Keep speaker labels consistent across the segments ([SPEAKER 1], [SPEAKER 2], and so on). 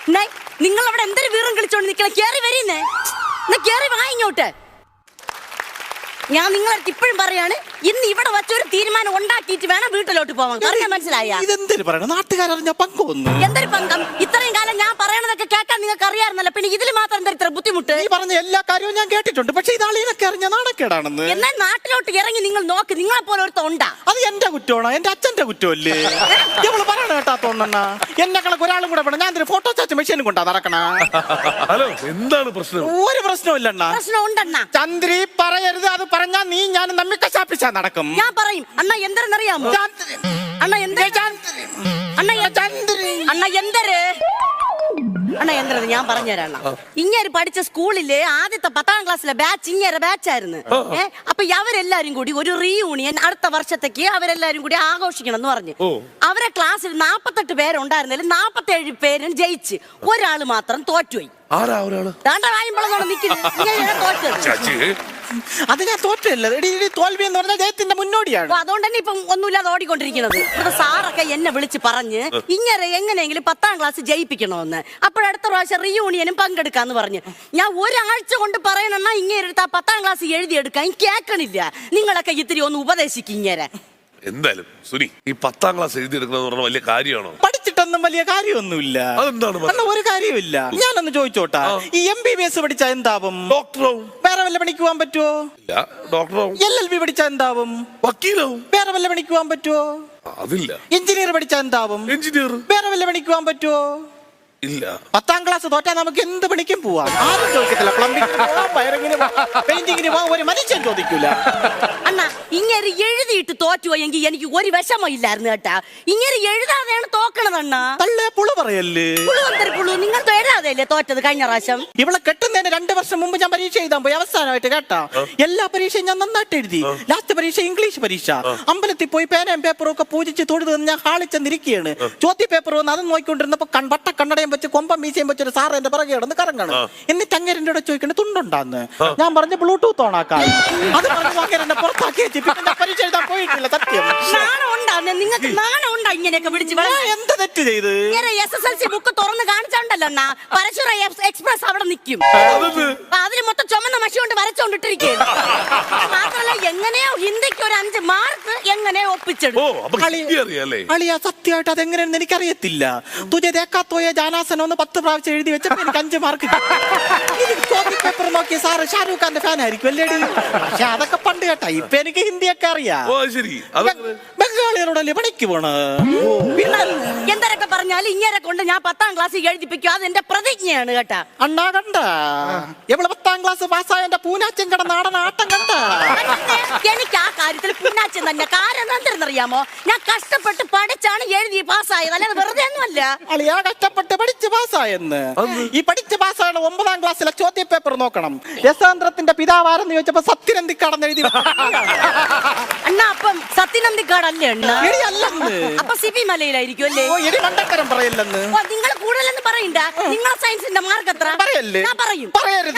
[SPEAKER 1] നിങ്ങൾ അവിടെ എന്തൊരു വീറും കളിച്ചോണ്ട് നിൽക്കണം. കേറി വരുന്നേ, കേറി വാ ഇങ്ങോട്ട്. ഞാൻ നിങ്ങളടുത്ത് ഇപ്പോഴും പറയാണ്, ഇന്ന് ഇവിടെ വച്ചൊരു തീരുമാനം ഉണ്ടാക്കിയിട്ട് വേണം വീട്ടിലോട്ട് പോവാൻ. പറഞ്ഞാൽ മനസ്സിലായ?
[SPEAKER 2] ഇതെന്തൊരു പറയണം, നാട്ടുകാരറിഞ്ഞ പങ്കൊന്നു.
[SPEAKER 1] എന്തൊരു പങ്കം? ഇത്രയും കാലം ഞാൻ പറയണതൊക്കെ കേൾക്കാൻ നിങ്ങൾക്ക് അറിയാറുന്നല്ലോ, പിന്നെ ഇതിൽ മാത്രം എന്താ ഇത്ര ബുദ്ധിമുട്ട്?
[SPEAKER 2] നീ പറഞ്ഞ എല്ലാ കാര്യവും ഞാൻ കേട്ടിട്ടുണ്ട്, പക്ഷെ ഇതാളീനൊക്കെ അറിഞ്ഞ നാണക്കേടാണെന്ന്.
[SPEAKER 1] എന്നാൽ നാട്ടിലോട്ട് ഇറങ്ങി നിങ്ങൾ നോക്ക്, നിങ്ങളെ പോലെ ഒരുത്ത ഉണ്ടാ.
[SPEAKER 2] അത് എന്റെ കുറ്റമാണോ? എന്റെ അച്ഛന്റെ കുറ്റമല്ലേ? ഇവള് പറയണ കേട്ടാത്തോണ്ണ എന്നെ കണക്ക് ഒരാളും കൂടെ വേണം. ഞാൻ ഫോട്ടോ ചാച്ച മെഷീനും കൊണ്ടാ നടക്കണ.
[SPEAKER 3] ഹലോ, എന്താണ് പ്രശ്നം?
[SPEAKER 2] ഒരു പ്രശ്നമില്ലണ്ണ.
[SPEAKER 1] പ്രശ്നം ഉണ്ടെണ്ണ.
[SPEAKER 2] ചന്ദ്രി പറയരുത്, അത് പറഞ്ഞാ നീ ഞാൻ നമ്മി കശാപ്പിച്ചാ നടക്കും.
[SPEAKER 1] ഞാൻ പറയും. അണ്ണ എന്തെന്നറിയാമോ? അണ്ണ എന്തര് ഞാൻ പറഞ്ഞുതരാം. ഇങ്ങനെ പഠിച്ച സ്കൂളിലെ ആദ്യത്തെ 10ാം ക്ലാസ്സിലെ ബാച്ച് ഇങ്ങനെ ബാച്ചായിരുന്നു. അപ്പൊ അവരെല്ലാരും കൂടി ഒരു റീയൂണിയൻ അടുത്ത വർഷത്തേക്ക് അവരെല്ലാരും കൂടി ആഘോഷിക്കണം എന്ന് പറഞ്ഞു. അവരെ ക്ലാസ്സിൽ 48 പേരുണ്ടായിരുന്നതിൽ 47 പേരും ജയിച്ച്, ഒരാള് മാത്രം തോറ്റുപോയി.
[SPEAKER 2] അത് ഞാൻ തോറ്റല്ല, തോൽവി എന്ന് പറഞ്ഞാൽ ജയത്തിന്റെ മുന്നോടിയാണ്.
[SPEAKER 1] അതുകൊണ്ട് തന്നെ ഇപ്പം ഒന്നുമില്ലാതെ ഓടിക്കൊണ്ടിരിക്കുന്നത്. സാറൊക്കെ എന്നെ വിളിച്ച് പറഞ്ഞ് ഇങ്ങനെ എങ്ങനെയെങ്കിലും 10ാം ക്ലാസ് ജയിപ്പിക്കണമെന്ന്. അപ്പോഴടുത്ത പ്രാവശ്യം റീയൂണിയനും പങ്കെടുക്കാന്ന് പറഞ്ഞ് ഞാൻ ഒരാഴ്ച കൊണ്ട് പറയണെന്നാ ഇങ്ങനെ എടുത്താ 10ാം ക്ലാസ് എഴുതിയെടുക്കാൻ കേൾക്കണില്ല. നിങ്ങളൊക്കെ ഇത്തിരി ഒന്ന് ഉപദേശിക്കും ഇങ്ങനെ.
[SPEAKER 3] എന്തായാലും സുനി, ഈ 10ാം ക്ലാസ് എഴുതിയെടുക്കുന്നത് പറഞ്ഞ വലിയ കാര്യമാണോ?
[SPEAKER 2] പഠിച്ചിട്ടൊന്നും വലിയ കാര്യമൊന്നുമില്ല.
[SPEAKER 3] അതെന്താണ്?
[SPEAKER 2] ഒരു കാര്യമില്ല. ഞാനൊന്ന് ചോദിച്ചോട്ടാ, ഈ MBBS പഠിച്ചാ എന്താവും?
[SPEAKER 3] ഡോക്ടറാവും.
[SPEAKER 2] വേറെ വല്ല പണിക്ക് പോകാൻ പറ്റുമോ?
[SPEAKER 3] ഇല്ല. ഡോക്ടറാവും.
[SPEAKER 2] LLB പഠിച്ചാ എന്താവും?
[SPEAKER 3] വക്കീലാവും.
[SPEAKER 2] വേറെ വല്ല പണിക്ക് പോകാൻ പറ്റുമോ?
[SPEAKER 3] അതില്ല.
[SPEAKER 2] എഞ്ചിനീയർ പഠിച്ചാ എന്താവും?
[SPEAKER 3] എഞ്ചിനീയർ.
[SPEAKER 2] വേറെ വല്ല പണിക്ക് പോകാൻ പറ്റുമോ?
[SPEAKER 3] ഇല്ല.
[SPEAKER 2] 10ാം ക്ലാസ് തോറ്റാ നമുക്ക് എന്ത് പണിക്കും പോവാം. ആരും ചോദിക്കത്തില്ല. പ്ലംബിംഗിന് പോവാം, വയറിങ്ങിന് പോവാം, പെയിന്റിങ്ങിന് പോവാം, ഒരു മനുഷ്യൻ ചോദിക്കൂല.
[SPEAKER 1] അണ്ണാ, ഇങ്ങനെ എഴുതിയിട്ട് തോറ്റുപോയെങ്കിൽ എനിക്ക് ഒരു വിഷമം ഇല്ലായിരുന്നു കേട്ടാ. ഇങ്ങനെ എഴുതാതെയാണ് തോക്കണതണ്ണാ.
[SPEAKER 2] തള്ളേ പുളു പറയല്ലേ?
[SPEAKER 1] പുളു നിങ്ങൾ എഴുതാതെയല്ലേ തോറ്റത് കഴിഞ്ഞ പ്രാവശ്യം?
[SPEAKER 2] ഇവളെ കെട്ടുന്നതിന് 2 വർഷം മുമ്പ് ഞാൻ പരീക്ഷ എഴുതാൻ പോയി. അവസാനമായിട്ട് കേട്ടാ, എല്ലാ പരീക്ഷയും ഞാൻ നന്നായിട്ട് എഴുതി. ലാസ്റ്റ് പരീക്ഷ ഇംഗ്ലീഷ് പരീക്ഷ. അമ്പലത്തിൽ പോയി പേനയും പേപ്പറും ഒക്കെ പൂജിച്ച് തൊഴുത് ഞാൻ ഹാളിച്ചെന്നിരിക്കുകയാണ്. ചോദ്യ പേപ്പർ വന്ന് അത് നോക്കിക്കൊണ്ടിരുന്നപ്പോ വട്ട കണ്ണടയും വെച്ച് കൊമ്പം മീശയും വെച്ചൊരു സാറ് എന്റെ പിറകെ കിടന്ന് കറങ്ങണം. എന്നിട്ട് അങ്ങേരൻ്റെ കൂടെ ചോദിക്കണേ തുണ്ടുണ്ടാന്ന്. ഞാൻ പറഞ്ഞ ബ്ലൂടൂത്ത് ഓണാക്കായി. അത് പറഞ്ഞു അങ്ങേരനെ പുറത്താക്കി വെച്ച് പിന്നെ പരീക്ഷ എഴുതാൻ പോയിട്ടില്ല. സത്യം.
[SPEAKER 1] നിങ്ങൾക്ക് നാണം ഉണ്ടാ ഇങ്ങനെയൊക്കെ പിടിച്ച്?
[SPEAKER 2] എന്ത് തെറ്റ് ചെയ്ത്?
[SPEAKER 1] SSLC ബുക്ക് തുറന്ന് കാണിച്ചോണ്ടല്ലോ അണ്ണാ, പരശുര എക്സ്പ്രസ് അവിടെ നിൽക്കും. അതിന് മൊത്തം ചുമന്ന മഷി കൊണ്ട് വരച്ചോണ്ടിട്ടിരിക്കും. മാത്രമല്ല എങ്ങനെയോ ഹിന്ദിക്ക് ഒരു 5 മാർക്ക് എങ്ങനെയോ ഒപ്പിച്ചെടുക്കും.
[SPEAKER 2] അളിയാ, സത്യമായിട്ട് അതെങ്ങനെയാണെന്ന് എനിക്കറിയത്തില്ല. തുജ ദേക്കാത്തോയ ജാനാസനം 10 പ്രാവശ്യം എഴുതി വെച്ചപ്പോ എനിക്ക് 5 മാർക്ക്. ചോദ്യ പേപ്പർ നോക്കി സാറ് ഷാരൂഖ് ഖാന്റെ ഫാൻ ആയിരിക്കും അല്ലേടി? പക്ഷെ അതൊക്കെ പണ്ട് കേട്ടാ. ഇപ്പൊ എനിക്ക് ഹിന്ദിയൊക്കെ അറിയാം. ബംഗാളികളോടല്ലേ പണിക്ക് പോണ?
[SPEAKER 1] എന്തൊക്കെ പറഞ്ഞാലും ഇങ്ങനെ കൊണ്ട് ഞാൻ 10ാം ക്ലാസ് എഴുതിപ്പിക്കും. അത് എന്റെ പ്രതിജ്ഞയാണ് കേട്ടാ.
[SPEAKER 2] അണ്ണാ കണ്ട എവിടെ 10ാം ക്ലാസ് പാസ്സായ പൂനാച്ചൻ കട നാടൻ ആട്ടം കണ്ട.
[SPEAKER 1] എനിക്ക് ആ കാര്യത്തിൽ പൂനാച്ചൻ തന്നെ. കാരണം എന്തെന്നറിയാമോ? ഞാൻ കഷ്ടപ്പെട്ട് പഠിച്ചാണ് എഴുതി പാസ്സായത്, അല്ലാതെ വെറുതെ ഒന്നുമല്ല.
[SPEAKER 2] അളിയാ, കഷ്ടപ്പെട്ട് പഠിച്ച് പാസ്സായെന്ന്. ഈ പഠിച്ച് പാസ്സായ 9ാം ക്ലാസ്സിലെ ചോദ്യ പേപ്പർ നോക്കണം. രസാന്ത്രത്തിന്റെ പിതാവാരെന്ന് ചോദിച്ചപ്പോ സത്യനന്ദിക്കാടെന്ന് എഴുതി.
[SPEAKER 1] അണ്ണാ, അപ്പം സത്യനന്ദിക്കാടല്ലേ അണ്ണാ? അപ്പൊ സിബി മലയിലായിരിക്കും അല്ലേ?
[SPEAKER 2] പറയല്ലെന്ന്
[SPEAKER 1] നിങ്ങൾ കൂടുതലെന്ന് പറയണ്ട. നിങ്ങളെ സയൻസിന്റെ മാർക്ക് എത്ര?
[SPEAKER 2] പറയല്ലേ?
[SPEAKER 1] ഞാൻ പറയും.
[SPEAKER 2] പറയരുത്.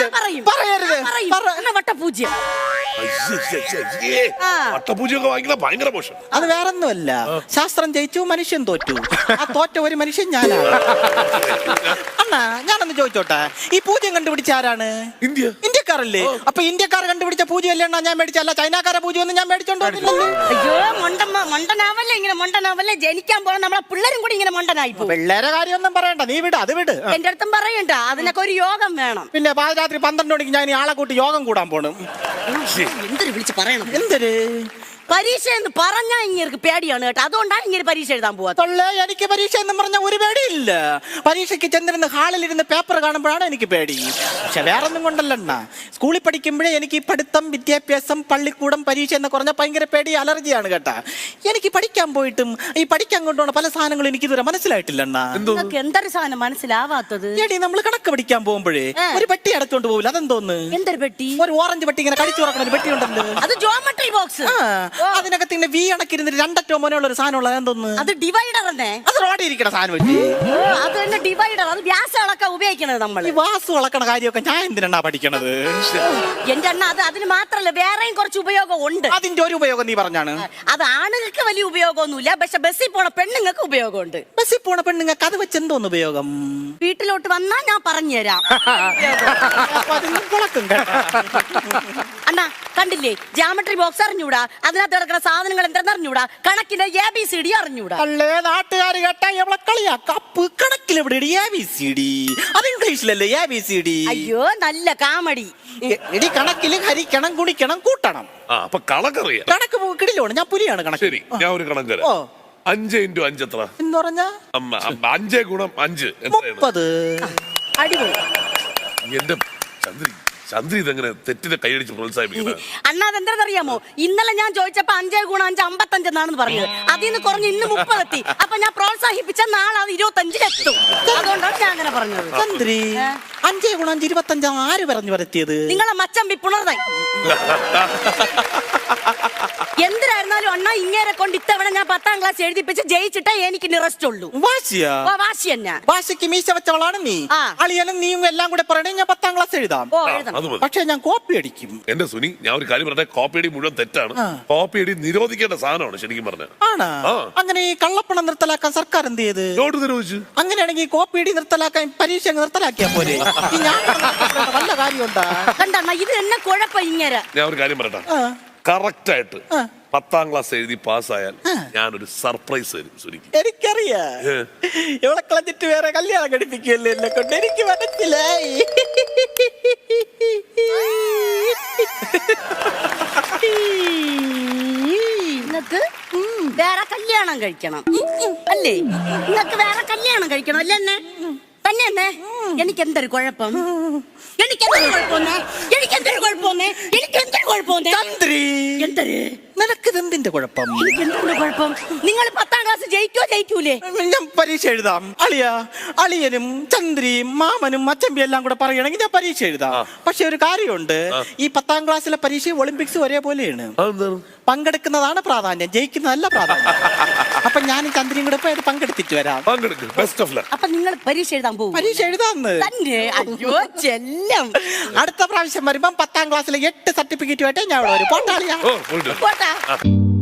[SPEAKER 1] വട്ടപൂജ്യം.
[SPEAKER 3] വട്ടപൂജ്യമൊക്കെ വാങ്ങിക്കുന്ന ഭയങ്കര മോശം.
[SPEAKER 2] അത് വേറൊന്നുമല്ല. ശാസ്ത്രം ജയിച്ചു, മനുഷ്യൻ തോറ്റു. ആ തോറ്റ ഒരു മനുഷ്യൻ ഞാനാണ്. അണ്ണാ, ഞാനൊന്ന് ചോദിച്ചോട്ടെ, ഈ പൂജ്യം കണ്ടുപിടിച്ച ആരാണ്? ഇന്ത്യക്കാരല്ലേ? അപ്പൊ ഇന്ത്യക്കാർ കണ്ടുപിടിച്ച പൂജ്യം അല്ലേ ഞാൻ മേടിച്ചല്ല? ചൈനക്കാരെ പൂജ്യം ഒന്നും ഞാൻ മേടിച്ചോണ്ടോ?
[SPEAKER 1] അയ്യോ, മണ്ടനാവല്ലേ ഇങ്ങനെ മണ്ടനാവല്ലേ. ജനിക്കാൻ പോണ നമ്മളെ പിള്ളേരും കൂടി ഇങ്ങനെ മണ്ടനായി.
[SPEAKER 2] പിള്ളേരെ കാര്യമൊന്നും പറയണ്ട, നീ വിട്, അത് വിട്.
[SPEAKER 1] എന്റെ അടുത്തും പറയണ്ട, അതിനൊക്കെ ഒരു യോഗം വേണം.
[SPEAKER 2] പിന്നെ പാതിരാത്രി 12 മണിക്ക് ഞാൻ ആളെ കൂട്ടി യോഗം കൂടാൻ പോണം.
[SPEAKER 1] എന്തൊരു വിളിച്ച് പറയണം?
[SPEAKER 2] എന്തൊരു
[SPEAKER 1] പരീക്ഷ എന്ന് പറഞ്ഞാ ഇങ്ങനെ പേടിയാണ് കേട്ടോ. അതുകൊണ്ടാണ് ഇങ്ങനെ പരീക്ഷ എഴുതാൻ പോവാ.
[SPEAKER 2] എനിക്ക് പരീക്ഷ എന്ന് പറഞ്ഞാൽ ഒരു പേടിയില്ല. പരീക്ഷയ്ക്ക് ചെന്നിരുന്ന് ഹാളിലിരുന്ന് പേപ്പർ കാണുമ്പോഴാണ് എനിക്ക് പേടി. പക്ഷെ വേറൊന്നും കൊണ്ടല്ലണ്ണ. സ്കൂളിൽ പഠിക്കുമ്പോഴേ എനിക്ക് പഠിത്തം, വിദ്യാഭ്യാസം, പള്ളിക്കൂടം, പരീക്ഷ എന്ന് പറഞ്ഞാൽ ഭയങ്കര പേടി, അലർജിയാണ് കേട്ടാ. എനിക്ക് പഠിക്കാൻ പോയിട്ടും ഈ പഠിക്കാൻ കൊണ്ടുപോണ പല സാധനങ്ങളും എനിക്ക് ഇതുവരെ മനസ്സിലായിട്ടില്ലണ്ണ.
[SPEAKER 1] എന്തൊരു സാധനം മനസ്സിലാവാത്തത്?
[SPEAKER 2] എടി, നമ്മൾ കണക്ക് പഠിക്കാൻ പോകുമ്പോഴേ ഒരു പെട്ടി അടച്ചോണ്ട് പോകില്ല, അതെന്തോന്ന്?
[SPEAKER 1] എന്തൊരു പെട്ടി?
[SPEAKER 2] ഒരു ഓറഞ്ച് പെട്ടി ഇങ്ങനെ കടിച്ചു തുറക്കണ ഒരു പെട്ടി ഉണ്ടല്ലോ,
[SPEAKER 1] അത് ജോമെട്രി ബോക്സ്.
[SPEAKER 2] അതിനകത്ത് ഇങ്ങനെ വി അണക്കിരുന്നിട്ട് രണ്ടറ്റോ മോനുള്ള ഒരു സാധനമുള്ള എന്തോന്ന്
[SPEAKER 1] അത് ഡിവൈഡർ തന്നെ.
[SPEAKER 2] അത് റോഡിൽ ഇരിക്കണ സാധനം വെച്ച്
[SPEAKER 1] അത് തന്നെ ഡിവൈഡർ. അത് വ്യാസം അളക്കാൻ ഉപയോഗിക്കണത് നമ്മൾ.
[SPEAKER 2] ഈ വാസു വളക്കണ കാര്യമൊക്കെ ഞാൻ എന്തിനാ പഠിക്കണത്?
[SPEAKER 1] എന്റെ അണ്ണ അത് അതിന് മാത്രല്ല വേറെയും കുറച്ച് ഉപയോഗം ഉണ്ട്.
[SPEAKER 2] അതിന്റെ ഒരു ഉപയോഗം നീ പറഞ്ഞാണ്.
[SPEAKER 1] അത് ആണുങ്ങൾക്ക് വലിയ ഉപയോഗമൊന്നുമില്ല, പക്ഷെ ബസ്സിൽ പോണ പെണ്ണുങ്ങൾക്ക് ഉപയോഗമുണ്ട്.
[SPEAKER 2] ബസ്സിൽ പോണ പെണ്ണുങ്ങൾക്ക് അത് വെച്ച് എന്തോന്ന് ഉപയോഗം?
[SPEAKER 1] വീട്ടിലോട്ട് വന്നാ ഞാൻ പറഞ്ഞുതരാം. അണ്ണാ കണ്ടില്ലേ, ജാമട്രി ബോക്സ് അറിഞ്ഞൂടാ, അതിനകത്ത് കിടക്കുന്ന സാധനങ്ങൾ എന്തെന്ന് അറിഞ്ഞൂടാ, കണക്കിന്റെ ABCD അറിഞ്ഞൂടാ.
[SPEAKER 2] അല്ലേ നാട്ടുകാർ കേട്ടാ എവിടെ കളിയാ കപ്പ് കണക്കിൽ എവിടെ ABCD? അത് ഇംഗ്ലീഷിലല്ലേ ABCD?
[SPEAKER 1] അയ്യോ നല്ല കാമഡി.
[SPEAKER 2] എടി കണക്കില് ഹരിക്കണം ഗുണിക്കണം കൂട്ടണം.
[SPEAKER 3] അപ്പൊ കണക്കറിയാം.
[SPEAKER 2] കണക്ക് കിടിലാണ്. ഞാൻ പുലിയാണ് കണക്ക്.
[SPEAKER 3] ശരി, ഞാൻ ഒരു കണക്ക് തരാം. 5 × 5 എത്ര?
[SPEAKER 2] എന്ന് പറഞ്ഞാ
[SPEAKER 3] 5 × 5
[SPEAKER 2] 30.
[SPEAKER 1] അടിപൊളി.
[SPEAKER 3] എന്റെ ചന്ദ്രി ഇതെങ്ങനെ തെറ്റിനെ കൈയടിച്ച് പ്രോത്സാഹിപ്പിക്കുന്നത്?
[SPEAKER 1] അണ്ണാ അതെന്താണെന്നറിയാമോ, ഇന്നലെ ഞാൻ ചോദിച്ചപ്പോ 5 × 5 55 എന്നാണെന്ന് പറഞ്ഞത്. അതിൽ നിന്ന് കുറഞ്ഞ് ഇന്ന് 30 എത്തി. അപ്പൊ ഞാൻ പ്രോത്സാഹിപ്പിച്ച നാളെ അത് 25-ലെത്തും. അതുകൊണ്ടാണ് ഞാൻ അങ്ങനെ പറഞ്ഞത്.
[SPEAKER 2] ചന്ദ്രി 5 × 5 25 ആര് പറഞ്ഞു വരത്തിയത്?
[SPEAKER 1] നിങ്ങളെ മച്ചമ്പി പുണർതായി. എന്തിനായിരുന്നാലും അണ്ണാ ഇങ്ങേരെ കൊണ്ട് ഇത്തവണ ഞാൻ 10ാം ക്ലാസ് എഴുതിപ്പിച്ച് ജയിച്ചിട്ടേ എനിക്ക് റെസ്റ്റ് ഉള്ളൂ.
[SPEAKER 2] വാശിയാ?
[SPEAKER 1] വാശി തന്നെ.
[SPEAKER 2] വാശിക്ക് മീശ വെച്ചവളാണ് നീ. അളിയനും നീയും എല്ലാം കൂടെ പറയണേ ഞാൻ 10ാം ക്ലാസ് എഴുതാം. പക്ഷെ ഞാൻ കോപ്പി അടിക്കും.
[SPEAKER 3] എന്റെ സുനി, ഞാൻ ഒരു കാര്യം പറഞ്ഞ, കോപ്പി അടി മുഴുവൻ തെറ്റാണ്. കോപ്പി അടി നിരോധിക്കേണ്ട സാധനമാണ് ശരിക്കും പറഞ്ഞ.
[SPEAKER 2] ആണാ? അങ്ങനെ ഈ കള്ളപ്പണം നിർത്തലാക്കാൻ സർക്കാർ എന്ത് ചെയ്ത്?
[SPEAKER 3] നോട്ട് നിരോധിച്ചു.
[SPEAKER 2] അങ്ങനെയാണെങ്കിൽ കോപ്പി അടി നിർത്തലാക്കാൻ പരീക്ഷ നിർത്തലാക്കിയാ പോലെ. നല്ല കാര്യമുണ്ടാ?
[SPEAKER 1] കണ്ടണ്ണ ഇത് എന്നെ കുഴപ്പം ഇങ്ങനെ.
[SPEAKER 3] ഞാൻ ഒരു കാര്യം പറയട്ടെ, കറക്റ്റ് ആയിട്ട് 10ാം ക്ലാസ് എഴുതി പാസ്സായാൽ ഞാനൊരു സർപ്രൈസ് തരും സുനിക്ക്.
[SPEAKER 2] എനിക്കറിയാ ഇവളെ കളഞ്ഞിട്ട് വേറെ കല്യാണം കഴിപ്പിക്കുകയല്ലേ എന്നെ കൊണ്ട്. എനിക്ക് മനസ്സിലായി.
[SPEAKER 1] നിങ്ങക്ക് വേറെ കല്യാണം കഴിക്കണം അല്ലേ? നിങ്ങക്ക് വേറെ കല്യാണം കഴിക്കണം അല്ലേ? എന്നെ തന്നെ എന്നെ എനിക്ക് എന്തൊരു കുഴപ്പം?
[SPEAKER 2] നിനക്കിതെന്തിന്റെ കുഴപ്പം?
[SPEAKER 1] നിങ്ങൾ 10ാം ക്ലാസ് ജയിക്കൂലേ?
[SPEAKER 2] ഞാൻ പരീക്ഷ എഴുതാം. അളിയനും ചന്ദ്രിയും മാമനും അച്ചമ്പി എല്ലാം കൂടെ പറയണെങ്കിൽ ഞാൻ പരീക്ഷ എഴുതാം. പക്ഷെ ഒരു കാര്യമുണ്ട്, ഈ 10ാം ക്ലാസ്സിലെ പരീക്ഷ ഒളിമ്പിക്സ് ഒരേപോലെയാണ്. പങ്കെടുക്കുന്നതാണ് പ്രാധാന്യം, ജയിക്കുന്നതല്ല പ്രാധാന്യം. അപ്പൊ ഞാനും ചന്ദ്രയും കൂടെ പോയി പങ്കെടുത്തിട്ട് വരാം.
[SPEAKER 1] അപ്പൊ നിങ്ങൾ പരീക്ഷ എഴുതാൻ പോകും?
[SPEAKER 2] പരീക്ഷ എഴുതാന്ന്
[SPEAKER 1] തന്നെ? അയ്യോ ചെല്ലം.
[SPEAKER 2] അടുത്ത പ്രാവശ്യം വരുമ്പം 10ാം ക്ലാസ്സിലെ 8 സർട്ടിഫിക്കറ്റുമായിട്ട് ഞാൻ വരും. പോട്ടാളിയാ.
[SPEAKER 1] പോട്ടാ.